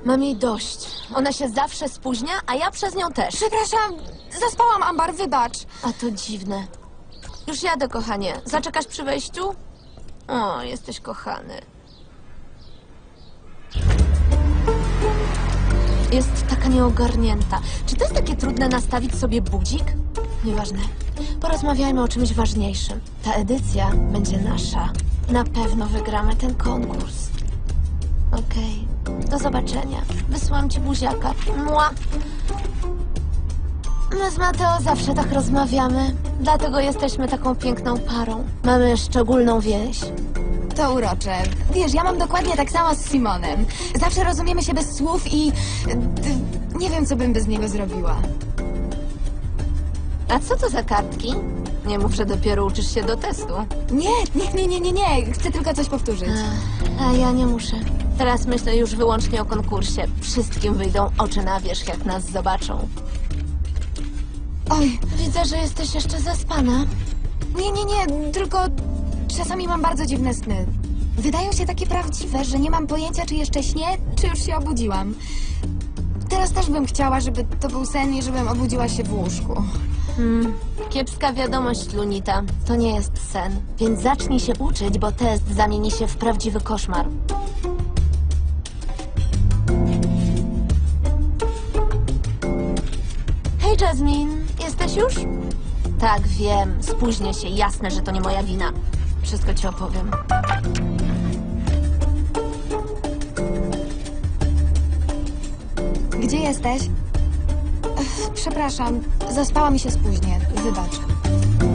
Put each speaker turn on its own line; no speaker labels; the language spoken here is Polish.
Mam jej dość. Ona się zawsze spóźnia, a ja przez nią też.
Przepraszam, zaspałam, Ambar, wybacz.
A to dziwne. Już jadę, kochanie. Zaczekasz przy wejściu? O, jesteś kochany. Jest taka nieogarnięta. Czy to jest takie trudne nastawić sobie budzik? Nieważne. Porozmawiajmy o czymś ważniejszym. Ta edycja będzie nasza. Na pewno wygramy ten konkurs. Okej. Do zobaczenia. Wysyłam ci buziaka. Mua. My z Mateo zawsze tak rozmawiamy. Dlatego jesteśmy taką piękną parą. Mamy szczególną więź.
To urocze. Wiesz, ja mam dokładnie tak samo z Simonem. Zawsze rozumiemy się bez słów i... nie wiem, co bym bez niego zrobiła.
A co to za kartki? Nie mów, że dopiero uczysz się do testu.
Nie. Chcę tylko coś powtórzyć.
A ja nie muszę. Teraz myślę już wyłącznie o konkursie. Wszystkim wyjdą oczy na wierzch, jak nas zobaczą.
Oj,
Widzę, że jesteś jeszcze zaspana.
nie, tylko czasami mam bardzo dziwne sny. Wydają się takie prawdziwe, że nie mam pojęcia, czy jeszcze śnię, czy już się obudziłam. Teraz też bym chciała, żeby to był sen i żebym obudziła się w łóżku.
Kiepska wiadomość, Lunita. To nie jest sen. Więc zacznij się uczyć, bo test zamieni się w prawdziwy koszmar. Hej, Jasmine. Jesteś już? Tak, wiem. Spóźnię się. Jasne, że to nie moja wina. Wszystko ci opowiem.
Gdzie jesteś? Przepraszam, zaspała mi się spóźnię. Wybacz.